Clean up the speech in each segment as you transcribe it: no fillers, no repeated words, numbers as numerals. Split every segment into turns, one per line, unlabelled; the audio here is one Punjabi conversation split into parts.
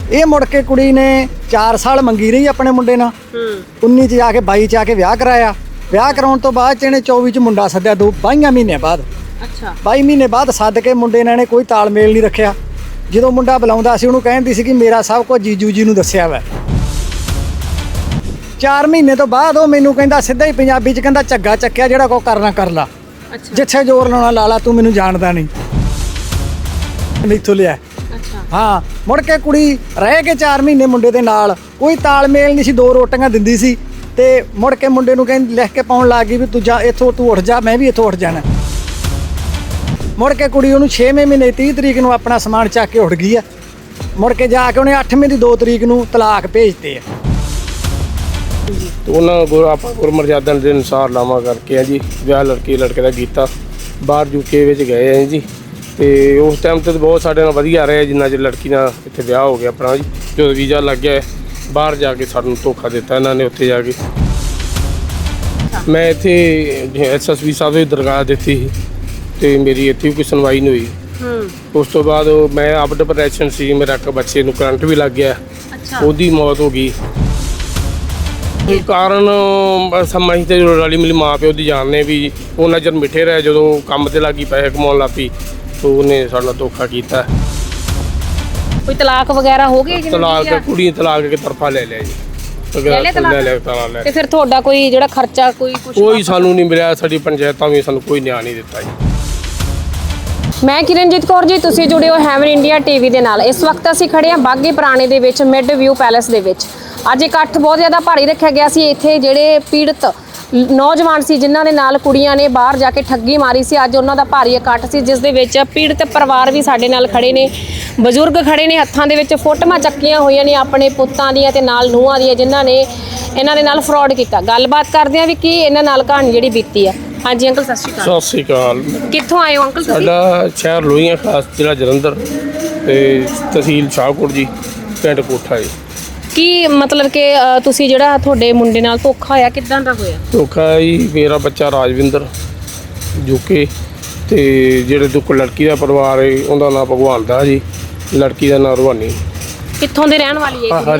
ਇਹ ਮੁੜ ਕੇ ਕੁੜੀ ਨੇ 4 ਸਾਲ ਮੰਗੀ ਰਹੀ ਆਪਣੇ ਮੁੰਡੇ ਨਾਲ 19 ਚ ਜਾ ਕੇ 22 ਚ ਆ ਕੇ ਵਿਆਹ ਕਰਾਇਆ। ਵਿਆਹ ਕਰਾਉਣ ਤੋਂ ਬਾਅਦ ਚ ਇਹਨੇ 24 ਚ ਮੁੰਡਾ ਸੱਦਿਆ 22 ਮਹੀਨੇ ਬਾਅਦ।
ਅੱਛਾ
22 ਮਹੀਨੇ ਬਾਅਦ ਸੱਦ ਕੇ ਮੁੰਡੇ ਨਾਲ ਇਹਨੇ ਕੋਈ ਤਾਲਮੇਲ ਨਹੀਂ ਰੱਖਿਆ। ਜਦੋਂ ਮੁੰਡਾ ਬੁਲਾਉਂਦਾ ਸੀ ਉਹਨੂੰ ਕਹਿੰਦੀ ਸੀ ਕਿ ਮੇਰਾ ਸਭ ਕੁਝ ਜੀਜੂ ਜੀ ਨੂੰ ਦੱਸਿਆ ਵਾ। 4 ਮਹੀਨੇ ਤੋਂ ਬਾਅਦ ਉਹ ਮੈਨੂੰ ਕਹਿੰਦਾ ਸਿੱਧਾ ਹੀ ਪੰਜਾਬੀ ਚ ਕਹਿੰਦਾ ਝੱਗਾ ਚੱਕਿਆ, ਜਿਹੜਾ ਕੋ ਕਰਨਾ ਕਰ ਲਾ,
ਅੱਛਾ
ਜਿੱਥੇ ਜ਼ੋਰ ਲਾਉਣਾ ਲਾ ਲਾ, ਤੂੰ ਮੈਨੂੰ ਜਾਣਦਾ ਨਹੀਂ, ਮੈਥੋਂ ਲਿਆ।
ਅੱਛਾ
ਹਾਂ ਮੁੜ ਕੇ ਕੁੜੀ ਰਹਿ ਕੇ 4 ਮਹੀਨੇ ਮੁੰਡੇ ਦੇ ਨਾਲ, ਕੋਈ ਤਾਲਮੇਲ ਨਹੀਂ ਸੀ, 2 ਰੋਟੀਆਂ ਦਿੰਦੀ ਸੀ ਤੇ ਮੁੜ ਕੇ ਮੁੰਡੇ ਨੂੰ ਕਹਿੰਦੀ ਲਿਖ ਕੇ ਪਾਉਣ ਲੱਗ ਗਈ ਵੀ ਤੂੰ ਜਾ ਇੱਥੋਂ, ਤੂੰ ਉੱਠ ਜਾ, ਮੈਂ ਵੀ ਇੱਥੋਂ ਉੱਠ ਜਾਣਾ। ਮੁੜ ਕੇ ਕੁੜੀ ਉਹਨੂੰ 6ਵੇਂ ਮਹੀਨੇ 30 ਤਰੀਕ ਨੂੰ ਆਪਣਾ ਸਮਾਨ ਚੱਕ ਕੇ ਉੱਠ ਗਈ ਆ। ਮੁੜ ਕੇ ਜਾ ਕੇ ਉਹਨੇ 8ਵੇਂ ਦੀ 2 ਤਰੀਕ ਨੂੰ ਤਲਾਕ ਭੇਜਤੇ ਆ।
ਤੇ ਉਹਨਾਂ ਆਪਾਂ ਗੁਰਮਰਜ਼ਾਦਾ ਦੇ ਅਨੁਸਾਰ ਲਾਵਾਂ ਕਰਕੇ ਆ ਜੀ ਵਿਆਹ ਲੜਕੇ ਦਾ ਕੀਤਾ। ਬਾਹਰ ਯੂਕੇ ਵਿੱਚ ਗਏ ਆ ਜੀ ਤੇ ਉਸ ਟਾਈਮ ਤੇ ਬਹੁਤ ਸਾਡੇ ਨਾਲ ਵਧੀਆ ਰਿਹਾ, ਜਿੰਨਾ ਚਿਰ ਲੜਕੀ ਨਾਲ ਇੱਥੇ ਵਿਆਹ ਹੋ ਗਿਆ ਆਪਣਾ ਜੀ। ਜਦੋਂ ਵੀਜ਼ਾ ਲੱਗ ਗਿਆ ਬਾਹਰ ਜਾ ਕੇ ਸਾਨੂੰ ਧੋਖਾ ਦਿੱਤਾ ਇਹਨਾਂ ਨੇ। ਉੱਥੇ ਜਾ ਕੇ ਮੈਂ ਇੱਥੇ SSB ਸਾਹਿਬ ਦੀ ਦਰਗਾਹ ਦਿੱਤੀ ਸੀ ਤੇ ਮੇਰੀ ਇੱਥੇ ਕੋਈ ਸੁਣਵਾਈ ਨਹੀਂ ਹੋਈ। ਉਸ ਤੋਂ ਬਾਅਦ ਮੈਂ ਆਪ ਡਿਪਰੈਸ਼ਨ ਸੀ, ਮੇਰਾ ਇੱਕ ਬੱਚੇ ਨੂੰ ਕਰੰਟ ਵੀ ਲੱਗ ਗਿਆ, ਉਹਦੀ ਮੌਤ ਹੋ ਗਈ। ਕਾਰਨ ਸਮਾਂ ਹੀ ਤੇ ਰਲੀ ਮਿਲੀ ਮਾਂ ਪਿਓ ਦੀ ਜਾਣਨੇ ਵੀ ਉਹਨਾਂ ਚਿਰ ਮਿੱਠੇ ਰਹੇ, ਜਦੋਂ ਕੰਮ ਤੇ ਲੱਗੀ ਪੈਸੇ ਕਮਾਉਣ ਲੱਗ ਪਈ ਤਾਂ ਉਹਨੇ ਸਾਡਾ ਧੋਖਾ ਕੀਤਾ।
ਕੋਈ ਤਲਾਕ ਵਗੈਰਾ ਹੋ ਗਏ?
ਤਲਾਕ ਕੁੜੀ ਤਲਾਕ ਕੇ ਤਰਫਾ ਲੈ ਲਿਆ ਜੀ। ਲੈ ਲਿਆ।
ਤੇ ਫਿਰ ਤੁਹਾਡਾ ਕੋਈ ਜਿਹੜਾ ਖਰਚਾ
ਕੋਈ ਸਾਨੂੰ ਨਹੀਂ ਮਿਲਿਆ, ਸਾਡੀ ਪੰਚਾਇਤਾਂ ਵੀ ਸਾਨੂੰ ਕੋਈ ਨਿਆਂ ਨਹੀਂ ਦਿੱਤਾ ਜੀ।
ਮੈਂ ਕਿਰਨਜੀਤ ਕੌਰ ਜੀ, ਤੁਸੀਂ ਜੁੜੇ ਹੋ ਹੈਵਨ ਇੰਡੀਆ ਟੀਵੀ ਦੇ ਨਾਲ। ਇਸ ਵਕਤ ਅਸੀਂ ਖੜੇ ਹਾਂ ਬਾਗੀ ਪੁਰਾਣੇ ਦੇ ਵਿੱਚ ਮਿਡ ਵਿਊ ਪੈਲੇਸ ਦੇ ਵਿੱਚ। ਅੱਜ ਇਕੱਠ ਬਹੁਤ ਜ਼ਿਆਦਾ ਭਾਰੀ ਰੱਖਿਆ ਗਿਆ ਸੀ। ਇੱਥੇ ਜਿਹੜੇ ਪੀੜਤ ਨੌਜਵਾਨ ਸੀ ਜਿਨ੍ਹਾਂ ਦੇ ਨਾਲ ਕੁੜੀਆਂ ਨੇ ਬਾਹਰ ਜਾ ਕੇ ਠੱਗੀ ਮਾਰੀ ਸੀ, ਅੱਜ ਉਹਨਾਂ ਦਾ ਭਾਰੀ ਇਕੱਠ ਸੀ, ਜਿਸ ਦੇ ਵਿੱਚ ਪੀੜਤ ਪਰਿਵਾਰ ਵੀ ਸਾਡੇ ਨਾਲ ਖੜੇ ਨੇ, ਬਜ਼ੁਰਗ ਖੜੇ ਨੇ, ਹੱਥਾਂ ਦੇ ਵਿੱਚ ਫੋਟੋਆਂ ਚੱਕੀਆਂ ਹੋਈਆਂ ਨੇ ਆਪਣੇ ਪੁੱਤਾਂ ਦੀਆਂ ਤੇ ਨਾਲ ਨੂੰਹਾਂ ਦੀਆਂ, ਜਿਨ੍ਹਾਂ ਨੇ ਇਹਨਾਂ ਦੇ ਨਾਲ ਫਰਾਡ ਕੀਤਾ। ਗੱਲਬਾਤ ਕਰਦੇ ਹਾਂ ਵੀ ਕੀ ਇਹਨਾਂ ਨਾਲ ਕਹਾਣੀ ਜਿਹੜੀ ਬੀਤੀ ਆ। ਹਾਂਜੀ ਅੰਕਲ ਸਤਿ ਸ਼੍ਰੀ ਅਕਾਲ।
ਸਤਿ ਸ਼੍ਰੀ ਅਕਾਲ।
ਕਿੱਥੋਂ ਆਏ ਹੋ ਅੰਕਲ ਤੁਸੀਂ?
ਸਾਡਾ ਸ਼ਹਿਰ ਲੋਹੀਆਂ ਖਾਸ, ਜ਼ਿਲ੍ਹਾ ਜਲੰਧਰ ਤੇ ਤਹਿਸੀਲ ਸ਼ਾਹਕੋਟ ਜੀ, ਪਿੰਡ ਕੋਠਾ ਜੀ।
ਕੀ ਮਤਲਬ ਕਿ ਤੁਸੀਂ ਜਿਹੜਾ ਤੁਹਾਡੇ ਮੁੰਡੇ ਨਾਲ ਧੋਖਾ ਹੋਇਆ, ਕਿੱਦਾਂ ਦਾ ਹੋਇਆ
ਧੋਖਾ ਜੀ? ਮੇਰਾ ਬੱਚਾ ਰਾਜਵਿੰਦਰ ਜੁਕੇ ਤੇ ਜਿਹੜੇ ਦੁੱਖ ਲੜਕੀ ਦਾ ਪਰਿਵਾਰ ਹੈ ਉਹਦਾ ਨਾਮ ਭਗਵਾਨ ਦਾ ਜੀ, ਲੜਕੀ ਦਾ ਨਾਮ ਰਵਾਨੀ।
ਕਿੱਥੋਂ ਦੇ ਰਹਿਣ ਵਾਲੀ ਹੈ?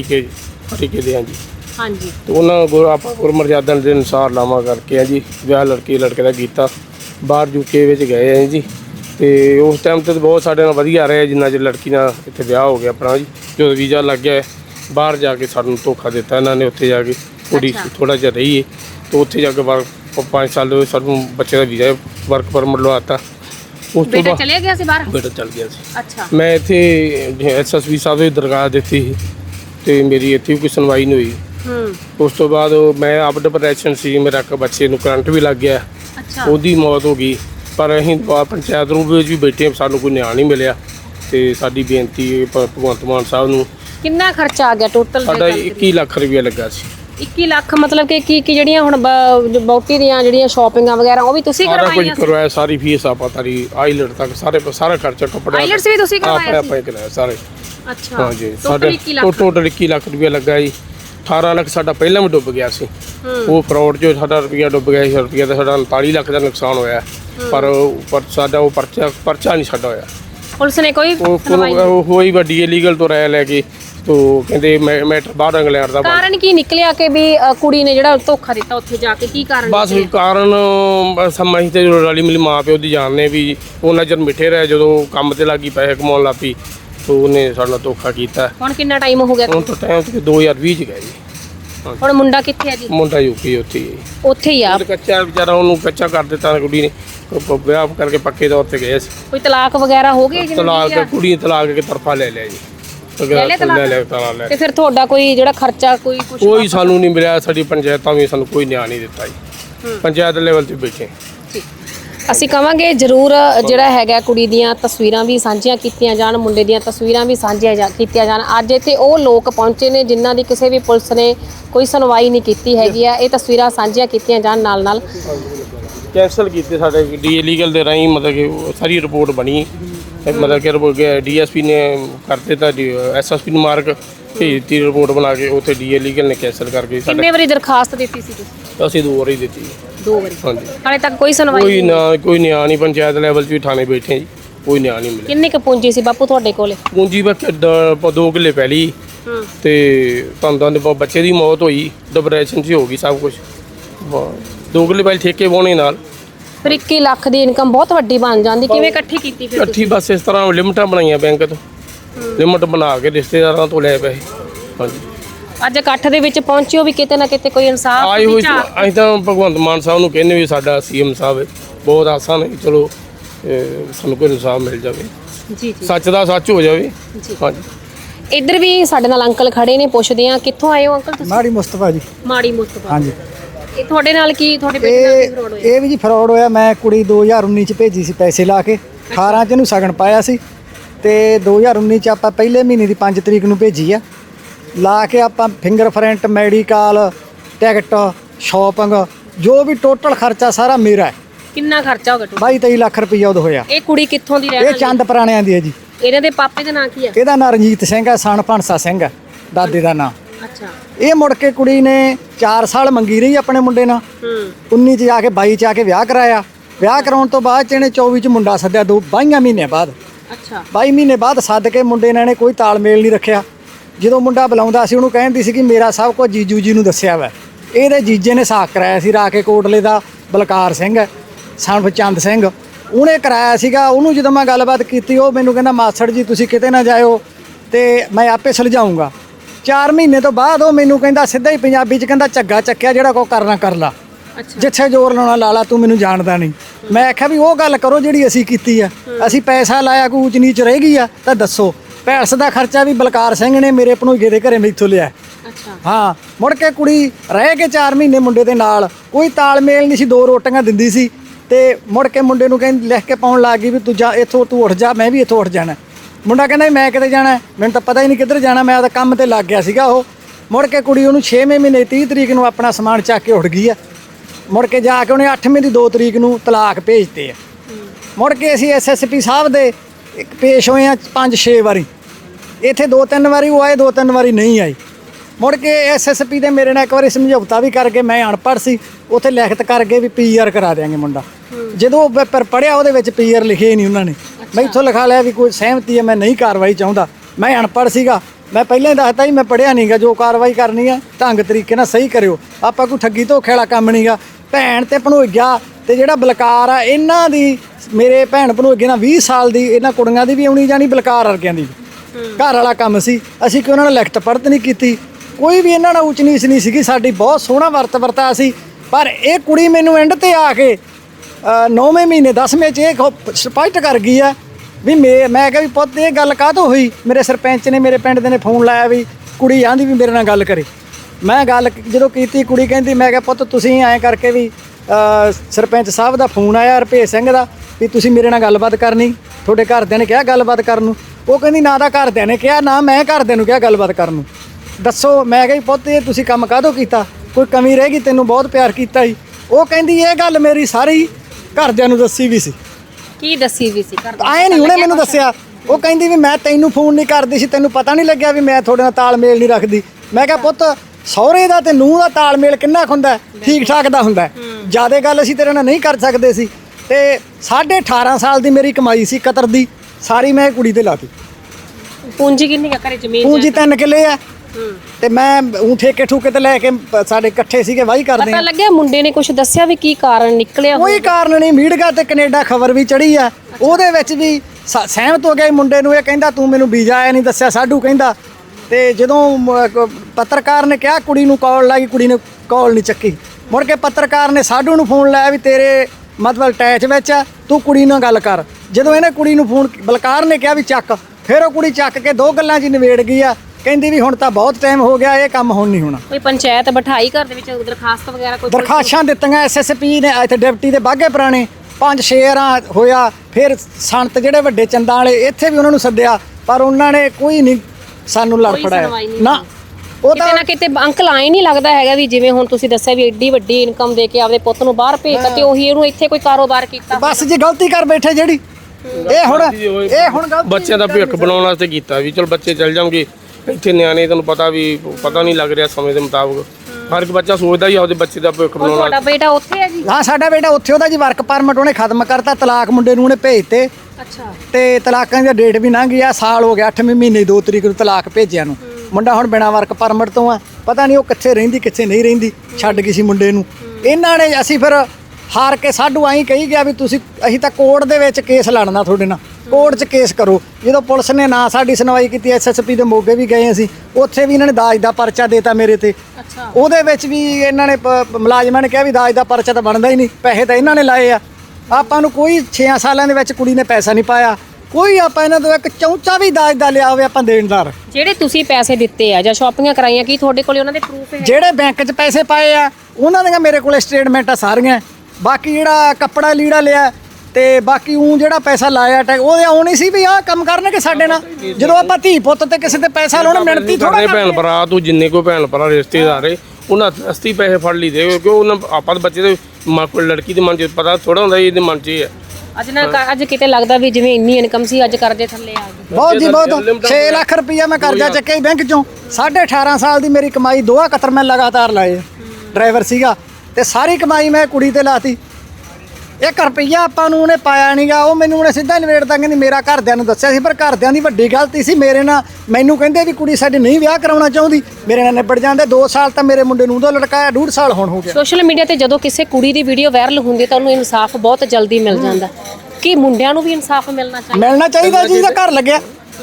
ਹਰੀਕੇ ਦੇ ਹਾਂ ਜੀ।
ਹਾਂਜੀ
ਤੇ ਉਹਨਾਂ ਆਪਾਂ ਗੁਰਮਰਜ਼ਾਦਾ ਦੇ ਅਨੁਸਾਰ ਲਾਵਾਂ ਕਰਕੇ ਆ ਜੀ ਵਿਆਹ ਲੜਕੇ ਦਾ ਕੀਤਾ। ਬਾਹਰ ਯੂਕੇ ਵਿੱਚ ਗਏ ਆ ਜੀ ਤੇ ਉਸ ਟਾਈਮ ਤੇ ਬਹੁਤ ਸਾਡੇ ਨਾਲ ਵਧੀਆ ਰਿਹਾ, ਜਿੰਨਾ ਚਿਰ ਲੜਕੀ ਨਾਲ ਇੱਥੇ ਵਿਆਹ ਹੋ ਗਿਆ ਆਪਣਾ ਜੀ। ਜਦੋਂ ਵੀਜ਼ਾ ਲੱਗ ਗਿਆ ਬਾਹਰ ਜਾ ਕੇ ਸਾਨੂੰ ਧੋਖਾ ਦਿੱਤਾ ਇਹਨਾਂ ਨੇ। ਉੱਥੇ ਜਾ ਕੇ ਕੁੜੀ ਥੋੜ੍ਹਾ ਜਿਹਾ ਰਹੀ ਹੈ ਤੇ ਉੱਥੇ ਜਾ ਕੇ 5 ਸਾਲ ਹੋਏ ਸਾਨੂੰ ਬੱਚੇ ਦਾ ਵੀਜ਼ਾ ਵਰਕ ਪਰਮਿਟ ਲਵਾਤਾ। ਉਸ ਤੋਂ ਬਾਅਦ
ਚਲੇ ਗਿਆ ਸੀ ਬਾਹਰ?
ਬੇਟਾ ਚੱਲ ਗਿਆ ਸੀ।
ਅੱਛਾ
ਮੈਂ ਇੱਥੇ SSB ਸਾਹਿਬ ਦੀ ਦਰਗਾਹ ਦਿੱਤੀ ਸੀ ਤੇ ਮੇਰੀ ਇੱਥੇ ਕੋਈ ਸੁਣਵਾਈ ਨਹੀਂ ਹੋਈ। ਉਸ ਤੋਂ ਬਾਅਦ ਮੈਂ ਆਪ ਡਿਪਰੈਸ਼ਨ ਸੀ, ਮੇਰਾ ਇੱਕ ਬੱਚੇ ਨੂੰ ਕਰੰਟ ਵੀ ਲੱਗ ਗਿਆ, ਉਹਦੀ ਮੌਤ ਹੋ ਗਈ। ਪਰ ਅਸੀਂ ਪੰਚਾਇਤ ਰੂਪ ਵਿੱਚ ਵੀ ਬੈਠੇ, ਸਾਨੂੰ ਕੋਈ ਨਿਆਂ ਨਹੀਂ ਮਿਲਿਆ। ਤੇ ਸਾਡੀ ਬੇਨਤੀ ਭਗਵੰਤ ਮਾਨ ਸਾਹਿਬ ਨੂੰ।
ਕਿੰਨਾ ਖਰਚਾ ਆ ਗਿਆ ਟੋਟਲ?
ਸਾਡਾ 21 ਲੱਖ ਰੁਪਇਆ ਲੱਗਾ ਸੀ।
21 ਲੱਖ ਮਤਲਬ ਕਿ ਕੀ ਜਿਹੜੀਆਂ ਹੁਣ ਬੌਟੀ ਦੀਆਂ ਜਿਹੜੀਆਂ ਸ਼ਾਪਿੰਗਾਂ ਵਗੈਰਾ ਉਹ ਵੀ ਤੁਸੀਂ
ਸਾਰਾ ਕੁਝ
ਕਰਵਾਈਆਂ?
ਕਰਵਾਇਆ, ਸਾਰੀ ਫੀਸ ਆਪਾਂ ਤਾਰੀ ਆਈਲਟ ਤੱਕ ਸਾਰਾ ਖਰਚਾ ਕੱਪੜਾ
ਆਈਲਟਸ ਵੀ ਤੁਸੀਂ ਕਰਵਾਇਆ ਸੀ?
ਆਪਾਂ ਕਰਾਇਆ ਸਾਰੇ।
ਅੱਛਾ
ਹਾਂਜੀ
ਟੋਟਲ
21 ਲੱਖ ਰੁਪਇਆ ਲੱਗਾ ਜੀ। 18 ਲੱਖ ਸਾਡਾ ਪਹਿਲਾਂ ਵੀ ਡੁੱਬ ਗਿਆ ਸੀ, ਉਹ ਫਰਾਡ 'ਚ ਸਾਡਾ ਰੁਪਇਆ ਡੁੱਬ ਗਿਆ ਸੀ। ਰੁਪਇਆ ਤਾਂ ਸਾਡਾ 39 ਲੱਖ ਦਾ ਨੁਕਸਾਨ ਹੋਇਆ, ਪਰ ਸਾਡਾ ਉਹ ਪਰਚਾ ਨਹੀਂ ਸਾਡਾ ਹੋਇਆ।
ਪੁਲਿਸ ਨੇ ਕੋਈ
ਹੋਈ ਵੱਡੀ ਇਲੀਗਲ ਤੋਂ ਰਾਇ ਲੈ ਕੇ ਤੋ ਕਹਿੰਦੇ ਮੈਟਰ ਬਾਹਰ ਇੰਗਲੈਂਡ ਦਾ।
ਕਾਰਨ ਕੀ ਨਿਕਲਿਆ ਕਿ ਵੀ ਕੁੜੀ ਨੇ ਜਿਹੜਾ ਧੋਖਾ ਦਿੱਤਾ ਉੱਥੇ ਜਾ ਕੇ? ਕੀ ਕਾਰਨ?
ਬਸ ਕਾਰਨ ਸਮਾਂ ਹੀ ਤੇ ਰਲੀ ਮਿਲੀ ਮਾਂ ਪਿਓ ਦੀ ਜਾਣਨੇ ਵੀ ਉਹਨਾਂ ਚਿਰ ਮਿੱਠੇ ਰਹੇ, ਜਦੋਂ ਕੰਮ ਤੇ ਲੱਗੀ ਪੈਸੇ ਕਮਾਉਣ ਲੱਗ ਪਈ ਤਾਂ ਉਹਨੇ ਸਾਡਾ ਧੋਖਾ ਕੀਤਾ।
ਹੁਣ ਕਿੰਨਾ ਟਾਈਮ ਹੋ ਗਿਆ?
ਹੁਣ ਤਾਂ ਟਾਈਮ ਤੇ 2020 ਚ ਗਏ ਜੀ।
ਹੁਣ ਮੁੰਡਾ ਕਿੱਥੇ ਹੈ ਜੀ?
ਮੁੰਡਾ ਯੂਪੀ ਉੱਥੇ
ਹੀ ਆ।
ਕੱਚਾ ਵਿਚਾਰਾ, ਉਹਨੂੰ ਕੱਚਾ ਕਰ ਦਿੱਤਾ ਕੁੜੀ ਨੇ, ਵਿਆਹ ਕਰਕੇ ਪੱਕੇ ਤੌਰ ਤੇ ਗਏ ਸੀ।
ਕੋਈ ਤਲਾਕ ਵਗੈਰਾ ਹੋ ਗਏ?
ਤਲਾਕ ਕੁੜੀ ਤਲਾਕ ਕੇ ਤਰਫਾ ਲੈ ਲਿਆ ਜੀ। ਲੈ ਲਿਆ।
ਤੇ ਫਿਰ ਤੁਹਾਡਾ ਕੋਈ ਜਿਹੜਾ ਖਰਚਾ
ਕੋਈ ਸਾਨੂੰ ਨਹੀਂ ਮਿਲਿਆ, ਸਾਡੀ ਪੰਚਾਇਤਾਂ ਵੀ ਸਾਨੂੰ ਕੋਈ ਨਿਆਂ ਨਹੀਂ ਦਿੱਤਾ ਜੀ। ਪੰਚਾਇਤ ਲੈਵਲ ਤੇ ਬੈਠੇ।
ਅਸੀਂ ਕਵਾਂਗੇ ਜ਼ਰੂਰ ਜਿਹੜਾ ਹੈਗਾ ਕੁੜੀ ਦੀਆਂ ਤਸਵੀਰਾਂ ਵੀ ਸਾਂਝੀਆਂ ਕੀਤੀਆਂ ਜਾਣ, ਮੁੰਡੇ ਦੀਆਂ ਤਸਵੀਰਾਂ ਵੀ ਸਾਂਝੀਆਂ ਕੀਤੀਆਂ ਜਾਣ। ਅੱਜ ਇੱਥੇ ਉਹ ਲੋਕ ਪਹੁੰਚੇ ਨੇ ਜਿਨ੍ਹਾਂ ਦੀ ਕਿਸੇ ਵੀ ਪੁਲਿਸ ਨੇ ਕੋਈ ਸੁਣਵਾਈ ਨਹੀਂ ਕੀਤੀ ਹੈਗੀ ਆ। ਇਹ ਤਸਵੀਰਾਂ ਸਾਂਝੀਆਂ ਕੀਤੀਆਂ ਜਾਣ। ਨਾਲ
ਕੈਂਸਲ ਕੀਤੇ ਸਾਡੇ ਲੀਗਲ ਦੇ ਰਾਹੀਂ, ਮਤਲਬ ਕਿ ਸਾਰੀ ਰਿਪੋਰਟ ਬਣੀ, ਮਤਲਬ ਕਿ DSP ਨੇ ਕਰਤੇ ਤਾਂ SSP ਨੂੰ ਮਾਰਕ ਭੇਜਤੀ ਰਿਪੋਰਟ ਬਣਾ ਕੇ, ਉੱਥੇ ਲੀਗਲ ਨੇ ਕੈਂਸਲ ਕਰਕੇ।
ਕਿੰਨੇ ਵਾਰੀ ਦਰਖਾਸਤ ਦਿੱਤੀ ਸੀ ਤੁਸੀਂ?
ਅਸੀਂ 2 ਵਾਰੀ ਦਿੱਤੀ।
2 ਵਾਰੀ?
ਹਾਂਜੀ।
ਹਾਲੇ ਤੱਕ ਕੋਈ ਸੁਣਵਾਈ
ਕੋਈ ਨਿਆਂ ਨਹੀਂ। ਪੰਚਾਇਤ ਲੈਵਲ 'ਚ ਵੀ ਥਾਣੇ ਬੈਠੇ ਜੀ, ਕੋਈ ਨਿਆਂ ਨਹੀਂ ਮਿਲਿਆ।
ਕਿੰਨੀ ਕੁ ਪੂੰਜੀ ਸੀ ਬਾਪੂ ਤੁਹਾਡੇ ਕੋਲੇ?
ਪੂੰਜੀ ਬਸ 2 ਕਿੱਲੇ ਪੈਲੀ ਤੇ ਤੁਹਾਨੂੰ ਤਾਂ ਬੱਚੇ ਦੀ ਮੌਤ ਹੋਈ, ਡਿਪਰੈਸ਼ਨ 'ਚ ਹੋ ਗਈ ਸਭ ਕੁਝ। 2 ਕਿੱਲੇ ਪੈਲੀ ਠੇਕੇ ਵਾਹੁਣੇ ਨਾਲ।
ਫਿਰ 21 ਲੱਖ ਦੀ ਇਨਕਮ ਬਹੁਤ ਵੱਡੀ ਬਣ ਜਾਂਦੀ, ਕਿਵੇਂ ਇਕੱਠੀ ਕੀਤੀ ਫਿਰ?
ਇਕੱਠੀ ਬਸ ਇਸ ਤਰ੍ਹਾਂ ਲਿਮਟਾਂ ਬਣਾਈਆਂ ਬੈਂਕ ਤੋਂ, ਲਿਮਟ ਬਣਾ ਕੇ ਰਿਸ਼ਤੇਦਾਰਾਂ ਤੋਂ ਲੈ ਪੈਸੇ। ਹਾਂਜੀ,
ਅੱਜ ਇਕੱਠ ਦੇ ਵਿੱਚ ਪਹੁੰਚਿਓ ਵੀ ਕਿਤੇ ਨਾ ਕਿਤੇ ਕੋਈ ਇਨਸਾਫ
ਆਈ ਹੋਈ ਅਸੀਂ ਤਾਂ ਭਗਵੰਤ ਮਾਨ ਸਾਹਿਬ ਨੂੰ ਕਹਿੰਦੇ ਵੀ ਸਾਡਾ ਸੀਐਮ ਸਾਹਿਬ ਬਹੁਤ ਆਸਾਂ ਨਹੀਂ, ਚਲੋ ਸਾਨੂੰ ਕੋਈ ਇਨਸਾਫ ਮਿਲ ਜਾਵੇ,
ਜੀ ਜੀ
ਸੱਚ ਦਾ ਸੱਚ ਹੋ ਜਾਵੇ। ਹਾਂਜੀ,
ਇੱਧਰ ਵੀ ਸਾਡੇ ਨਾਲ ਅੰਕਲ ਖੜੇ ਨੇ, ਪੁੱਛਦੇ ਆ ਕਿੱਥੋਂ ਆਏ ਹੋ ਅੰਕਲ ਤੁਸੀਂ?
ਮਾੜੀ ਮੁਸਤਫਾ ਜੀ।
ਮਾੜੀ ਮੁਸਤਫਾ।
ਹਾਂਜੀ,
ਇਹ ਤੁਹਾਡੇ ਨਾਲ ਕੀ, ਤੁਹਾਡੇ ਬੇਟੇ ਨਾਲ ਕੀ ਫਰੋਡ ਹੋਇਆ?
ਇਹ ਵੀ ਜੀ ਫਰਾਡ ਹੋਇਆ। ਮੈਂ ਕੁੜੀ 2019 ਚ ਭੇਜੀ ਸੀ ਪੈਸੇ ਲਾ ਕੇ, 18 ਚ ਇਹਨੂੰ ਸ਼ਗਨ ਪਾਇਆ ਸੀ ਤੇ 2019 ਚ ਆਪਾਂ ਪਹਿਲੇ ਮਹੀਨੇ ਦੀ 5 ਤਰੀਕ ਨੂੰ ਭੇਜੀ ਆ। ਲਾ ਕੇ ਆਪਾਂ ਫਿੰਗਰਪ੍ਰਿੰਟ, ਮੈਡੀਕਲ, ਟਿਕਟ, ਸ਼ਾਪਿੰਗ, ਜੋ ਵੀ ਟੋਟਲ ਖਰਚਾ ਸਾਰਾ ਮੇਰਾ ਹੈ।
ਕਿੰਨਾ ਖਰਚਾ ਹੋ ਗਿਆ ਟੋਟਲ?
22-23 ਲੱਖ ਰੁਪਈਆ ਉਦੋਂ ਹੋਇਆ।
ਇਹ ਕੁੜੀ ਕਿੱਥੋਂ ਦੀ ਰਹਿਣ
ਇਹ
ਵਾਲੀ?
ਚੰਦ ਪੁਰਾਣਿਆਂ ਦੀ ਹੈ ਜੀ।
ਇਹਨਾਂ ਦੇ ਪਾਪੇ ਦਾ ਨਾਂ ਕੀ ਆ?
ਇਹਦਾ ਨਾਂ ਰਣਜੀਤ ਸਿੰਘ ਹੈ, ਸਣ ਭਣਸਾ ਸਿੰਘ ਹੈ ਦਾਦੇ ਦਾ ਨਾਂ।
ਅੱਛਾ।
ਇਹ ਮੁੜ ਕੇ ਕੁੜੀ ਨੇ 4 ਸਾਲ ਮੰਗੀ ਰਹੀ ਆਪਣੇ ਮੁੰਡੇ ਨਾਲ। 19 ਚ ਜਾ ਕੇ 22 ਚ ਆ ਕੇ ਵਿਆਹ ਕਰਾਇਆ। ਵਿਆਹ ਕਰਾਉਣ ਤੋਂ ਬਾਅਦ ਚ ਇਹਨੇ 24 ਚ ਮੁੰਡਾ ਸੱਦਿਆ, 22 ਮਹੀਨੇ ਬਾਅਦ।
ਅੱਛਾ।
22 ਮਹੀਨੇ ਬਾਅਦ ਸੱਦ ਕੇ ਮੁੰਡੇ ਨਾਲ ਇਹਨੇ ਕੋਈ ਤਾਲਮੇਲ ਨਹੀਂ ਰੱਖਿਆ। ਜਦੋਂ ਮੁੰਡਾ ਬੁਲਾਉਂਦਾ ਸੀ ਉਹਨੂੰ ਕਹਿੰਦੀ ਸੀ ਕਿ ਮੇਰਾ ਸਭ ਕੁਝ ਜੀਜੂ ਜੀ ਨੂੰ ਦੱਸਿਆ ਵਾ। ਇਹਦੇ ਜੀਜੇ ਨੇ ਸਾਕ ਕਰਾਇਆ ਸੀ ਰਾਕੇ ਕੋਟਲੇ ਦਾ ਬਲਕਾਰ ਸਿੰਘ ਸਨ ਚੰਦ ਸਿੰਘ, ਉਹਨੇ ਕਰਾਇਆ ਸੀਗਾ। ਉਹਨੂੰ ਜਦੋਂ ਮੈਂ ਗੱਲਬਾਤ ਕੀਤੀ, ਉਹ ਮੈਨੂੰ ਕਹਿੰਦਾ ਮਾਸੜ ਜੀ ਤੁਸੀਂ ਕਿਤੇ ਨਾ ਜਾਇਓ ਤੇ ਮੈਂ ਆਪੇ ਸੁਲਝਾਊਂਗਾ। 4 ਮਹੀਨੇ ਤੋਂ ਬਾਅਦ ਉਹ ਮੈਨੂੰ ਕਹਿੰਦਾ ਸਿੱਧਾ ਹੀ ਪੰਜਾਬੀ ਚ ਕਹਿੰਦਾ ਝੱਗਾ ਚੱਕਿਆ, ਜਿਹੜਾ ਕੋ ਕਰਨਾ ਕਰ ਲਾ, ਜਿੱਥੇ ਜ਼ੋਰ ਲਾਉਣਾ ਲਾ ਲਾ, ਤੂੰ ਮੈਨੂੰ ਜਾਣਦਾ ਨਹੀਂ। ਮੈਂ ਆਖਿਆ ਵੀ ਉਹ ਗੱਲ ਕਰੋ ਜਿਹੜੀ ਅਸੀਂ ਕੀਤੀ ਆ। ਅਸੀਂ ਪੈਸਾ ਲਾਇਆ, ਕੋਈ ਊਚ ਨੀਚ ਰਹਿ ਗਈ ਆ ਤਾਂ ਦੱਸੋ। ਪੈਸੇ ਦਾ ਖਰਚਾ ਵੀ ਬਲਕਾਰ ਸਿੰਘ ਨੇ ਮੇਰੇ ਭਣੋਈਏ ਦੇ ਘਰੇ ਮੈਥੋਂ ਲਿਆ।
ਅੱਛਾ।
ਹਾਂ, ਮੁੜ ਕੇ ਕੁੜੀ ਰਹਿ ਕੇ 4 ਮਹੀਨੇ ਮੁੰਡੇ ਦੇ ਨਾਲ, ਕੋਈ ਤਾਲਮੇਲ ਨਹੀਂ ਸੀ। 2 ਰੋਟੀਆਂ ਦਿੰਦੀ ਸੀ ਤੇ ਮੁੜ ਕੇ ਮੁੰਡੇ ਨੂੰ ਕਹਿੰਦੀ, ਲਿਖ ਕੇ ਪਾਉਣ ਲੱਗ ਗਈ ਵੀ ਤੂੰ ਜਾ ਇੱਥੋਂ, ਤੂੰ ਉੱਠ ਜਾ, ਮੈਂ ਵੀ ਇੱਥੋਂ ਉੱਠ ਜਾਣਾ। ਮੁੰਡਾ ਕਹਿੰਦਾ ਮੈਂ ਕਿਤੇ ਜਾਣਾ, ਮੈਨੂੰ ਤਾਂ ਪਤਾ ਹੀ ਨਹੀਂ ਕਿੱਧਰ ਜਾਣਾ, ਮੈਂ ਉਹਦਾ ਕੰਮ ਤੇ ਲੱਗ ਗਿਆ ਸੀਗਾ ਉਹ। ਮੁੜ ਕੇ ਕੁੜੀ ਉਹਨੂੰ 6ਵੇਂ ਮਹੀਨੇ 30 ਤਰੀਕ ਨੂੰ ਆਪਣਾ ਸਮਾਨ ਚੱਕ ਕੇ ਉੱਠ ਗਈ ਆ। ਮੁੜ ਕੇ ਜਾ ਕੇ ਉਹਨੇ 8ਵੇਂ ਦੀ 2 ਤਰੀਕ ਨੂੰ ਤਲਾਕ ਭੇਜਤੇ ਆ। ਮੁੜ ਕੇ ਅਸੀਂ ਐਸਐਸਪੀ ਸਾਹਿਬ ਦੇ ਪੇਸ਼ ਹੋਏ ਆ 5-6 ਵਾਰੀ। ਇੱਥੇ 2-3 ਵਾਰੀ ਉਹ ਆਏ, 2-3 ਵਾਰੀ ਨਹੀਂ ਆਏ। ਮੁੜ ਕੇ ਐਸਐਸਪੀ ਦੇ ਮੇਰੇ ਨਾਲ ਇੱਕ ਵਾਰੀ ਸਮਝੌਤਾ ਵੀ ਕਰਕੇ, ਮੈਂ ਅਨਪੜ੍ਹ ਸੀ, ਉੱਥੇ ਲਿਖਤ ਕਰਕੇ ਵੀ ਪੀਆਰ ਕਰਾ ਦਿਆਂਗੇ ਮੁੰਡਾ। ਜਦੋਂ ਉਹ ਪੇਪਰ ਪੜ੍ਹਿਆ ਉਹਦੇ ਵਿੱਚ ਪੀਆਰ ਲਿਖੇ ਹੀ ਨਹੀਂ ਉਹਨਾਂ ਨੇ। ਮੈਂ ਇੱਥੋਂ ਲਿਖਾ ਲਿਆ ਵੀ ਕੋਈ ਸਹਿਮਤੀ ਹੈ, ਮੈਂ ਨਹੀਂ ਕਾਰਵਾਈ ਚਾਹੁੰਦਾ। ਮੈਂ ਅਨਪੜ੍ਹ ਸੀਗਾ, ਮੈਂ ਪਹਿਲਾਂ ਹੀ ਦੱਸਤਾ ਹੀ ਮੈਂ ਪੜ੍ਹਿਆ ਨਹੀਂਗਾ। ਜੋ ਕਾਰਵਾਈ ਕਰਨੀ ਆ ਢੰਗ ਤਰੀਕੇ ਨਾਲ ਸਹੀ ਕਰਿਓ, ਆਪਾਂ ਕੋਈ ਠੱਗੀ ਧੋਖੇ ਵਾਲਾ ਕੰਮ ਨਹੀਂਗਾ। ਭੈਣ ਤੇ ਭਣੋਈਆ ਤੇ ਜਿਹੜਾ ਬਲਕਾਰ ਆ, ਇਹਨਾਂ ਦੀ ਮੇਰੇ ਭੈਣ ਭਣੋਈਏ ਨਾਲ 20 ਸਾਲ ਦੀ, ਇਹਨਾਂ ਕੁੜੀਆਂ ਦੀ ਵੀ ਆਉਣੀ ਜਾਣੀ, ਬਲਕਾਰ ਵਰਗਿਆਂ ਦੀ ਘਰ ਵਾਲਾ ਕੰਮ ਸੀ। ਅਸੀਂ ਕਿ ਉਹਨਾਂ ਨਾਲ ਲਿਖਤ ਪੜ੍ਹਤ ਨਹੀਂ ਕੀਤੀ, ਕੋਈ ਵੀ ਇਹਨਾਂ ਨਾਲ ਉੱਚ ਨੀਚ ਨਹੀਂ ਸੀਗੀ ਸਾਡੀ। ਬਹੁਤ ਸੋਹਣਾ ਵਰਤਾ ਸੀ। ਪਰ ਇਹ ਕੁੜੀ ਮੈਨੂੰ ਐਂਡ ਤੇ ਆ ਕੇ 9ਵੇਂ ਮਹੀਨੇ 10ਵੇਂ ਚ ਇਹ ਸਪਸ਼ਟ ਕਰ ਗਈ ਆ ਵੀ ਮੈਂ ਕਿਹਾ ਵੀ ਪੁੱਤ ਇਹ ਗੱਲ ਕਾਹਤੋਂ ਹੋਈ। ਮੇਰੇ ਸਰਪੰਚ ਨੇ, ਮੇਰੇ ਪਿੰਡ ਦੇ ਨੇ ਫੋਨ ਲਾਇਆ ਵੀ ਕੁੜੀ ਆਂਦੀ ਵੀ ਮੇਰੇ ਨਾਲ ਗੱਲ ਕਰੇ। ਮੈਂ ਗੱਲ ਜਦੋਂ ਕੀਤੀ, ਕੁੜੀ ਕਹਿੰਦੀ, ਮੈਂ ਕਿਹਾ ਪੁੱਤ ਤੁਸੀਂ ਐਂ ਕਰਕੇ ਵੀ ਸਰਪੰਚ ਸਾਹਿਬ ਦਾ ਫੋਨ ਆਇਆ ਰਪੇਸ਼ ਸਿੰਘ ਦਾ ਵੀ ਤੁਸੀਂ ਮੇਰੇ ਨਾਲ ਗੱਲਬਾਤ ਕਰਨੀ, ਤੁਹਾਡੇ ਘਰਦਿਆਂ ਨੇ ਕਿਹਾ ਗੱਲਬਾਤ ਕਰਨ ਨੂੰ। ਉਹ ਕਹਿੰਦੀ ਨਾ ਤਾਂ ਘਰਦਿਆਂ ਨੇ ਕਿਹਾ, ਨਾ ਮੈਂ ਘਰਦਿਆਂ ਨੂੰ ਕਿਹਾ ਗੱਲਬਾਤ ਕਰਨ ਨੂੰ, ਦੱਸੋ। ਮੈਂ ਕਿਹਾ ਪੁੱਤ ਇਹ ਤੁਸੀਂ ਕੰਮ ਕਾਹਤੋਂ ਕੀਤਾ, ਕੋਈ ਕਮੀ ਰਹਿ ਗਈ, ਤੈਨੂੰ ਬਹੁਤ ਪਿਆਰ ਕੀਤਾ ਸੀ। ਉਹ ਕਹਿੰਦੀ ਇਹ ਗੱਲ ਮੇਰੀ ਸਾਰੀ ਘਰਦਿਆਂ ਨੂੰ ਦੱਸੀ ਵੀ ਸੀ।
ਕੀ ਦੱਸੀ ਵੀ ਸੀ ਘਰ?
ਆਏ ਨਹੀਂ ਉਹਨੇ ਮੈਨੂੰ ਦੱਸਿਆ। ਉਹ ਕਹਿੰਦੀ ਵੀ ਮੈਂ ਤੈਨੂੰ ਫੋਨ ਨਹੀਂ ਕਰਦੀ ਸੀ, ਤੈਨੂੰ ਪਤਾ ਨਹੀਂ ਲੱਗਿਆ ਵੀ ਮੈਂ ਤੁਹਾਡੇ ਨਾਲ ਤਾਲਮੇਲ ਨਹੀਂ ਰੱਖਦੀ। ਮੈਂ ਕਿਹਾ ਪੁੱਤ ਸਹੁਰੇ ਦਾ ਤੇ ਨੂੰਹ ਦਾ ਤਾਲਮੇਲ ਕਿੰਨਾ ਕੁ ਹੁੰਦਾ, ਠੀਕ ਠਾਕ ਦਾ ਹੁੰਦਾ। ਜਿਆਦਾ ਗੱਲ ਅਸੀਂ ਤੇਰੇ ਨਾਲ ਨਹੀਂ ਕਰ ਸਕਦੇ ਸੀ। ਤੇ 18.5 ਸਾਲ ਦੀ ਮੇਰੀ ਕਮਾਈ ਸੀ ਕਤਰ ਦੀ, ਸਾਰੀ ਮੈਂ ਕੁੜੀ ਤੇ ਲਾਤੀ।
ਪੂੰਜੀ ਕਿੰਨੀ ਆ ਘਰੇ? ਜ਼ਮੀਨ
ਪੂੰਜੀ 3 ਕਿੱਲੇ ਆ ਤੇ ਮੈਂ ਉਹ ਠੇਕੇ ਠੂਕੇ ਤੇ ਲੈ ਕੇ ਸਾਡੇ ਇਕੱਠੇ ਸੀਗੇ, ਵਾਹੀ ਕਰਦੇ
ਪਤਾ ਲੱਗਿਆ ਮੁੰਡੇ ਨੇ ਕੁਝ ਦੱਸਿਆ ਵੀ ਕੀ ਕਾਰਨ ਨਿਕਲਿਆ?
ਕੋਈ ਕਾਰਨ ਨਹੀਂ। ਮੀਡੀਆ ਤੇ ਕੈਨੇਡਾ ਖਬਰ ਵੀ ਚੜੀ ਆ, ਉਹਦੇ ਵਿੱਚ ਵੀ ਸਹਿਮਤ ਹੋ ਗਿਆ ਮੁੰਡੇ ਨੂੰ। ਇਹ ਕਹਿੰਦਾ ਤੂੰ ਮੈਨੂੰ ਵੀਜ਼ਾ ਆਇਆ ਨਹੀਂ ਦੱਸਿਆ, ਸਾਡੂ ਕਹਿੰਦਾ। ਤੇ ਜਦੋਂ ਪੱਤਰਕਾਰ ਨੇ ਕਿਹਾ, ਕੁੜੀ ਨੂੰ ਕਾਲ ਲਾਈ, ਕੁੜੀ ਨੇ ਕਾਲ ਨਹੀਂ ਚੱਕੀ। ਮੁੜ ਕੇ ਪੱਤਰਕਾਰ ਨੇ ਸਾਡੂ ਨੂੰ ਫੋਨ ਲਾਇਆ ਵੀ ਤੇਰੇ ਮਤਲਬ ਅਟੈਚ ਵਿੱਚ ਆ, ਤੂੰ ਕੁੜੀ ਨਾਲ ਗੱਲ ਕਰ। ਜਦੋਂ ਇਹਨੇ ਕੁੜੀ ਨੂੰ ਫੋਨ, ਬਲਕਾਰ ਨੇ ਕਿਹਾ ਵੀ ਚੱਕ, ਫਿਰ ਉਹ ਕੁੜੀ ਚੱਕ ਕੇ 2 ਗੱਲਾਂ 'ਚ ਨਿਬੇੜ ਗਈ ਆ। ਕਹਿੰਦੀ ਵੀ ਹੁਣ ਤਾਂ ਬਹੁਤ ਟਾਈਮ ਹੋ ਗਿਆ, ਇਹ ਕੰਮ ਹੁਣ ਨਹੀਂ ਹੋਣਾ।
ਕੋਈ ਪੰਚਾਇਤ ਬਿਠਾਈ ਘਰ ਦੇ ਵਿੱਚ, ਦਰਖਾਸਤ ਵਗੈਰਾ ਕੋਈ?
ਦਰਖਾਸ਼ਾਂ ਦਿੱਤੀਆਂ ਐਸਐਸਪੀ ਨੇ, ਇੱਥੇ ਡਿਪਟੀ ਦੇ ਬਾਗੇ ਪੁਰਾਣੇ 5-6 ਵਾਰਾਂ ਹੋਇਆ। ਫਿਰ ਸੰਤ ਜਿਹੜੇ ਵੱਡੇ ਚੰਦਾਂ ਵਾਲੇ, ਇੱਥੇ ਵੀ ਉਹਨਾਂ ਨੂੰ ਸੱਦਿਆ, ਪਰ ਉਹਨਾਂ ਨੇ ਕੋਈ ਨਹੀਂ ਸਾਨੂੰ ਲੜ ਪੜਾਇਆ ਨਾ। ਉਹ ਤਾਂ
ਕਿਤੇ ਨਾ ਕਿਤੇ ਅੰਕਲ ਆਏ ਨਹੀਂ ਲੱਗਦਾ ਹੈਗਾ ਵੀ ਜਿਵੇਂ ਹੁਣ ਤੁਸੀਂ ਦੱਸਿਆ ਵੀ ਐਡੀ ਵੱਡੀ ਇਨਕਮ ਦੇ ਕੇ ਆਪਦੇ ਪੁੱਤ ਨੂੰ ਬਾਹਰ ਭੇਜਤਾ ਤੇ ਉਹੀ ਇਹਨੂੰ ਇੱਥੇ ਕੋਈ ਕਾਰੋਬਾਰ ਕੀਤਾ।
ਬਸ ਜੀ ਗਲਤੀ ਕਰ ਬੈਠੇ ਜਿਹੜੀ ਇਹ ਹੁਣ ਗਲਤੀ
ਬੱਚਿਆਂ ਦਾ ਭਵਿੱਖ ਬਣਾਉਣ ਵਾਸਤੇ ਕੀਤਾ ਵੀ ਚਲ ਬੱਚੇ ਚੱਲ ਜਾਣਗੇ ਇੱਥੇ, ਨਿਆਣੇ ਤੁਹਾਨੂੰ ਪਤਾ ਵੀ ਪਤਾ ਨਹੀਂ ਲੱਗ ਰਿਹਾ ਸਮੇਂ ਦੇ ਮੁਤਾਬਕ। ਹਰ ਇੱਕ ਬੱਚਾ ਸੋਚਦਾ ਹੀ ਆਪਦੇ ਬੱਚੇ ਦਾ ਭਵਿੱਖ ਬਣਾਉਣਾ।
ਤੁਹਾਡਾ ਬੇਟਾ ਉੱਥੇ ਹੈ ਜੀ?
ਹਾਂ, ਸਾਡਾ ਬੇਟਾ ਉੱਥੇ, ਉਹਦਾ ਜੀ ਵਰਕ ਪਰਮਿਟ ਉਹਨੇ ਖਤਮ ਕਰਤਾ, ਤਲਾਕ ਮੁੰਡੇ ਨੂੰ ਉਹਨੇ ਭੇਜਤੇ
ਅੱਛਾ
ਤੇ ਤਲਾਕਾਂ ਦੀ ਡੇਟ ਵੀ ਲੰਘ ਗਈ ਆ, ਸਾਲ ਹੋ ਗਿਆ 8ਵੇਂ ਮਹੀਨੇ 2 ਤਰੀਕ ਨੂੰ ਤਲਾਕ ਭੇਜਿਆ ਨੂੰ। ਮੁੰਡਾ ਹੁਣ ਬਿਨਾਂ ਵਰਕ ਪਰਮਿਟ ਤੋਂ ਆ, ਪਤਾ ਨਹੀਂ ਉਹ ਕਿੱਥੇ ਰਹਿੰਦੀ ਕਿੱਥੇ ਨਹੀਂ ਰਹਿੰਦੀ, ਛੱਡ ਗਈ ਸੀ ਮੁੰਡੇ ਨੂੰ। ਇਹਨਾਂ ਨੇ ਅਸੀਂ ਫਿਰ ਹਾਰ ਕੇ ਸਾਡੂ ਆਈ ਕਹੀ ਗਿਆ ਵੀ ਅਸੀਂ ਤਾਂ ਕੋਰਟ ਦੇ ਵਿੱਚ ਕੇਸ ਲੜਨਾ ਤੁਹਾਡੇ ਨਾਲ, ਕੋਰਟ 'ਚ ਕੇਸ ਕਰੋ। ਜਦੋਂ ਪੁਲਿਸ ਨੇ ਨਾ ਸਾਡੀ ਸੁਣਵਾਈ ਕੀਤੀ, ਐਸਐਸਪੀ ਦੇ ਮੋਗੇ ਵੀ ਗਏ ਅਸੀਂ, ਉੱਥੇ ਵੀ ਇਹਨਾਂ ਨੇ ਦਾਜ ਦਾ ਪਰਚਾ ਦੇਤਾ ਮੇਰੇ ਤੇ।
ਅੱਛਾ
ਉਹਦੇ ਵਿੱਚ ਵੀ ਇਹਨਾਂ ਨੇ ਮੁਲਾਜ਼ਮਾਂ ਨੇ ਕਿਹਾ ਵੀ ਦਾਜ ਦਾ ਪਰਚਾ ਤਾਂ ਬਣਦਾ ਹੀ ਨਹੀਂ, ਪੈਸੇ ਤਾਂ ਇਹਨਾਂ ਨੇ ਲਾਏ ਆ। ਆਪਾਂ ਨੂੰ ਕੋਈ 6 ਸਾਲਾਂ ਦੇ ਵਿੱਚ ਕੁੜੀ ਨੇ ਪੈਸਾ ਨਹੀਂ ਪਾਇਆ, ਕੋਈ ਆਪਾਂ ਇਹਨਾਂ ਤੋਂ ਇੱਕ ਚੌਂਚਾ ਵੀ ਦਾਜ ਦਾ ਲਿਆ ਹੋਵੇ ਆਪਾਂ ਦੇਣਦਾਰ।
ਜਿਹੜੇ ਤੁਸੀਂ ਪੈਸੇ ਦਿੱਤੇ ਆ ਜਾਂ ਸ਼ਾਪਿੰਗਾਂ ਕਰਾਈਆਂ, ਕੀ ਤੁਹਾਡੇ ਕੋਲੇ ਉਹਨਾਂ ਦੇ ਪ੍ਰੂਫ ਹੈ?
ਜਿਹੜੇ ਬੈਂਕ 'ਚ ਪੈਸੇ ਪਾਏ ਆ ਉਹਨਾਂ ਦੀਆਂ ਮੇਰੇ ਕੋਲੇ ਸਟੇਟਮੈਂਟਾਂ ਸਾਰੀਆਂ। ਬਾਕੀ ਜਿਹੜਾ ਕੱਪੜਾ ਲੀੜਾ ਲਿਆ ਤੇ ਬਾਕੀ ਉਹ ਜਿਹੜਾ ਪੈਸਾ ਲਾਇਆ ਉਹਦੇ ਆਉਣੀ ਸੀ ਵੀ ਆਹ ਕੰਮ ਕਰਨਗੇ ਸਾਡੇ ਨਾਲ। ਜਦੋਂ ਆਪਾਂ ਧੀ ਪੁੱਤ ਤੇ ਕਿਸੇ ਤੇ ਪੈਸਾ ਲਾਉਣਾ ਮਿਹਨਤੀ ਥੋੜਾ
ਭੈਣ ਭਰਾ ਤੂੰ ਜਿੰਨੇ ਕੋਈ ਭੈਣ ਭਰਾ ਰਿਸ਼ਤੇਦਾਰ ਏ ਉਹਨਾਂ ਅਸਤੀ ਪੈਸੇ ਫੜ ਲਈਦੇ, ਕਿਉਂਕਿ ਉਹਨਾਂ ਆਪਾਂ ਦੇ ਬੱਚੇ ਦੇ ਕੋਈ ਲੜਕੀ ਦੇ ਮਨ 'ਚ ਪਤਾ ਥੋੜਾ ਹੁੰਦਾ ਇਹਦੇ ਮਨ 'ਚ ਇਹ ਹੈ।
ਅੱਜ ਕਿਤੇ ਲੱਗਦਾ ਵੀ ਜਿਵੇਂ ਇੰਨੀ ਇਨਕਮ ਸੀ ਅੱਜ ਕਰਜ਼ੇ ਥੱਲੇ ਆ ਗਈ।
ਬਹੁਤ ਜੀ ਬਹੁਤ 6 ਲੱਖ ਰੁਪਈਆ ਮੈਂ ਕਰਜ਼ਾ ਚੱਕਿਆ ਬੈਂਕ 'ਚੋਂ। 18.5 ਸਾਲ ਦੀ ਮੇਰੀ ਕਮਾਈ 2 ਕਤਰ ਮੈਂ ਲਗਾਤਾਰ ਲਾਏ, ਡਰਾਈਵਰ ਸੀਗਾ ਤੇ ਸਾਰੀ ਕਮਾਈ ਮੈਂ ਕੁੜੀ ਤੇ ਲਾਤੀ। 1 ਰੁਪਈਆ ਆਪਾਂ ਨੂੰ ਉਹਨੇ ਪਾਇਆ ਨਹੀਂਗਾ। ਉਹ ਮੈਨੂੰ ਉਹਨੇ ਸਿੱਧਾ ਨਿਬੇੜਤਾ, ਕਹਿੰਦੀ ਮੇਰਾ ਘਰਦਿਆਂ ਨੂੰ ਦੱਸਿਆ ਸੀ, ਪਰ ਘਰਦਿਆਂ ਦੀ ਵੱਡੀ ਗਲਤੀ ਸੀ ਮੇਰੇ ਨਾਲ। ਮੈਨੂੰ ਕਹਿੰਦੇ ਵੀ ਕੁੜੀ ਸਾਡੀ ਨਹੀਂ ਵਿਆਹ ਕਰਾਉਣਾ ਚਾਹੁੰਦੀ, ਮੇਰੇ ਨਾਲ ਨਿਬੜ ਜਾਂਦੇ। 2 ਸਾਲ ਤਾਂ ਮੇਰੇ ਮੁੰਡੇ ਨੂੰ ਉਦੋਂ ਲਟਕਾਇਆ, 1.5 ਸਾਲ ਹੁਣ ਹੋ ਗਿਆ।
ਸੋਸ਼ਲ ਮੀਡੀਆ ਤੇ ਜਦੋਂ ਕਿਸੇ ਕੁੜੀ ਦੀ ਵੀਡੀਓ ਵਾਇਰਲ ਹੁੰਦੀ ਤਾਂ ਉਹਨੂੰ ਇਨਸਾਫ ਬਹੁਤ ਜਲਦੀ ਮਿਲ ਜਾਂਦਾ। ਕੀ ਮੁੰਡਿਆਂ ਨੂੰ ਵੀ ਇਨਸਾਫ ਮਿਲਣਾ
ਚਾਹੀਦਾ ਜੀ ਦਾ ਘਰ ਲੱਗਿਆ।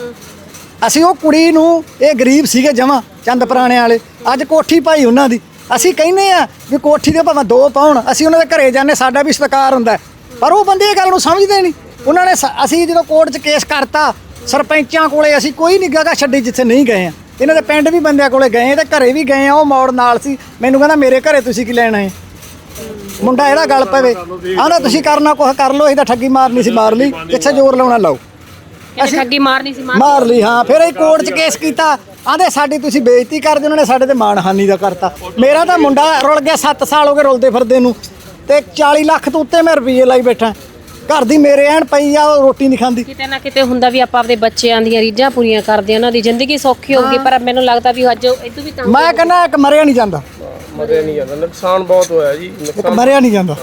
ਅਸੀਂ ਉਹ ਕੁੜੀ ਨੂੰ, ਇਹ ਗਰੀਬ ਸੀਗੇ ਜਮਾਂ ਚੰਦ ਪੁਰਾਣੇ ਵਾਲੇ, ਅੱਜ ਕੋਠੀ ਪਾਈ ਉਹਨਾਂ ਦੀ। ਅਸੀਂ ਕਹਿੰਦੇ ਆ ਵੀ ਕੋਠੀ ਦੇ ਭਾਵੇਂ 2 ਪਾਉਣ, ਅਸੀਂ ਉਹਨਾਂ ਦੇ ਘਰੇ ਜਾਂਦੇ, ਸਾਡਾ ਵੀ ਸਤਿਕਾਰ ਹੁੰਦਾ। ਪਰ ਉਹ ਬੰਦੇ ਇਹ ਗੱਲ ਨੂੰ ਸਮਝਦੇ ਨਹੀਂ। ਉਹਨਾਂ ਨੇ ਅਸੀਂ ਜਦੋਂ ਕੋਰਟ 'ਚ ਕੇਸ ਕਰਤਾ, ਸਰਪੰਚਾਂ ਕੋਲੇ ਅਸੀਂ ਕੋਈ ਨਹੀਂ ਜਗ੍ਹਾ ਛੱਡੀ ਜਿੱਥੇ ਨਹੀਂ ਗਏ ਆ। ਇਹਨਾਂ ਦੇ ਪਿੰਡ ਵੀ ਬੰਦਿਆਂ ਕੋਲੇ ਗਏ ਤੇ ਘਰੇ ਵੀ ਗਏ ਆ। ਉਹ ਮੋੜ ਨਾਲ ਸੀ, ਮੈਨੂੰ ਕਹਿੰਦਾ ਮੇਰੇ ਘਰੇ ਤੁਸੀਂ ਕੀ ਲੈਣ ਆਏ? ਮੁੰਡਾ ਇਹਦਾ ਗੱਲ ਪਵੇ, ਆਂਦਾ ਤੁਸੀਂ ਕਰਨਾ ਕੁਛ ਕਰ ਲਓ, ਅਸੀਂ ਤਾਂ ਠੱਗੀ ਮਾਰਨੀ ਸੀ ਮਾਰ ਲਈ, ਕਿੱਥੇ ਜ਼ੋਰ ਲਾਉਣਾ ਲਾਓ।
ਅਸੀਂ ਠੱਗੀ ਮਾਰਨੀ ਸੀ
ਮਾਰ ਲਈ। ਹਾਂ, ਫਿਰ ਅਸੀਂ ਕੋਰਟ 'ਚ ਕੇਸ ਕੀਤਾ। ਆਂਦੇ ਸਾਡੀ ਤੁਸੀਂ ਬੇਇੱਜ਼ਤੀ ਕਰਦੇ, ਉਹਨਾਂ ਨੇ ਸਾਡੇ ਤੇ ਮਾਣਹਾਨੀ ਦਾ ਕਰਤਾ। ਮੇਰਾ ਤਾਂ ਮੁੰਡਾ ਰੁਲ ਗਿਆ, 7 ਸਾਲ ਹੋ ਗਏ ਰੁਲਦੇ ਫਿਰਦੇ ਨੂੰ, ਤੇ 40 ਲੱਖ ਤੋਂ ਉੱਤੇ ਮੈਂ ਰੁਪਈਏ ਲਾਈ ਬੈਠਾ। ਘਰ ਦੀ ਮੇਰੇ ਐਨ ਪਈ ਆ, ਉਹ ਰੋਟੀ ਨਹੀਂ ਖਾਂਦੀ।
ਕਿਤੇ ਨਾ ਕਿਤੇ ਹੁੰਦਾ ਵੀ ਆਪਾਂ ਆਪਣੇ ਬੱਚਿਆਂ ਦੀਆਂ ਰੀਝਾਂ ਪੂਰੀਆਂ ਕਰਦੇ, ਉਹਨਾਂ ਦੀ ਜ਼ਿੰਦਗੀ ਸੌਖੀ ਹੋਊਗੀ, ਪਰ ਮੈਨੂੰ ਲੱਗਦਾ ਵੀ ਅੱਜ ਇਦੋਂ ਵੀ
ਮੈਂ ਕਹਿੰਦਾ ਇੱਕ ਮਰਿਆ ਨਹੀਂ ਜਾਂਦਾ,
ਮਰਿਆ ਨਹੀਂ ਜਾਂਦਾ, ਨੁਕਸਾਨ ਬਹੁਤ ਹੋਇਆ ਜੀ।
ਇੱਕ ਮਰਿਆ ਨਹੀਂ ਜਾਂਦਾ।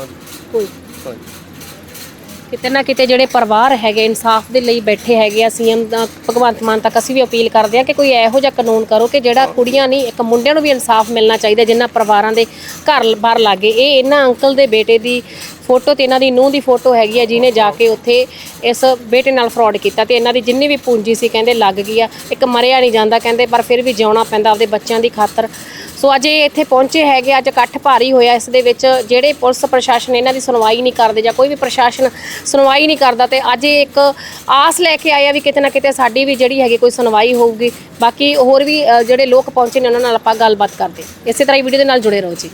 ਕਿਤੇ ਨਾ ਕਿਤੇ ਜਿਹੜੇ ਪਰਿਵਾਰ ਹੈਗੇ ਇਨਸਾਫ ਦੇ ਲਈ ਬੈਠੇ ਹੈਗੇ ਆ, ਸੀਐਮ ਭਗਵੰਤ ਮਾਨ ਤੱਕ ਅਸੀਂ ਵੀ ਅਪੀਲ ਕਰਦੇ ਆ ਕਿ ਕੋਈ ਇਹੋ ਜਿਹਾ ਕਾਨੂੰਨ ਕਰੋ ਕਿ ਜਿਹੜਾ ਕੁੜੀਆਂ ਨਹੀਂ, ਇੱਕ ਮੁੰਡਿਆਂ ਨੂੰ ਵੀ ਇਨਸਾਫ ਮਿਲਣਾ ਚਾਹੀਦਾ ਜਿਨ੍ਹਾਂ ਪਰਿਵਾਰਾਂ ਦੇ ਘਰ ਬਾਹਰ ਲੱਗੇ। ਇਹ ਇਹਨਾਂ ਅੰਕਲ ਦੇ ਬੇਟੇ ਦੀ ਫੋਟੋ ਤੇ ਇਹਨਾਂ ਦੀ ਨੂੰਹ ਦੀ ਫੋਟੋ ਹੈਗੀ ਆ, ਜਿਹਨੇ ਜਾ ਕੇ ਉੱਥੇ ਇਸ ਬੇਟੇ ਨਾਲ ਫਰਾਡ ਕੀਤਾ ਤੇ ਇਹਨਾਂ ਦੀ ਜਿੰਨੀ ਵੀ ਪੂੰਜੀ ਸੀ ਕਹਿੰਦੇ ਲੱਗ ਗਈ ਆ। ਇੱਕ ਮਰਿਆ ਨਹੀਂ ਜਾਂਦਾ ਕਹਿੰਦੇ, ਪਰ ਫਿਰ ਵੀ ਜਿਉਣਾ ਪੈਂਦਾ ਆਪਦੇ ਬੱਚਿਆਂ ਦੀ ਖਾਤਰ। ਸੋ ਅੱਜ ਇਹ ਇੱਥੇ ਪਹੁੰਚੇ ਹੈਗੇ, ਅੱਜ ਇਕੱਠ ਭਾਰੀ ਹੋਇਆ। ਇਸ ਦੇ ਵਿੱਚ ਜਿਹੜੇ ਪੁਲਿਸ ਪ੍ਰਸ਼ਾਸਨ ਇਹਨਾਂ ਦੀ ਸੁਣਵਾਈ ਨਹੀਂ ਕਰਦੇ ਜਾਂ ਕੋਈ ਵੀ ਪ੍ਰਸ਼ਾਸਨ ਸੁਣਵਾਈ ਨਹੀਂ ਕਰਦਾ, ਤੇ ਅੱਜ ਇਹ ਇੱਕ ਆਸ ਲੈ ਕੇ ਆਇਆ ਵੀ ਕਿਤੇ ਨਾ ਕਿਤੇ ਸਾਡੀ ਵੀ ਜਿਹੜੀ ਹੈਗੀ ਕੋਈ ਸੁਣਵਾਈ ਹੋਊਗੀ। ਬਾਕੀ ਹੋਰ ਵੀ ਜਿਹੜੇ ਲੋਕ ਪਹੁੰਚੇ ਨੇ ਉਹਨਾਂ ਨਾਲ ਆਪਾਂ ਗੱਲਬਾਤ ਕਰਦੇ। ਇਸੇ ਤਰ੍ਹਾਂ ਹੀ ਵੀਡੀਓ ਦੇ ਨਾਲ ਜੁੜੇ ਰਹੋ ਜੀ।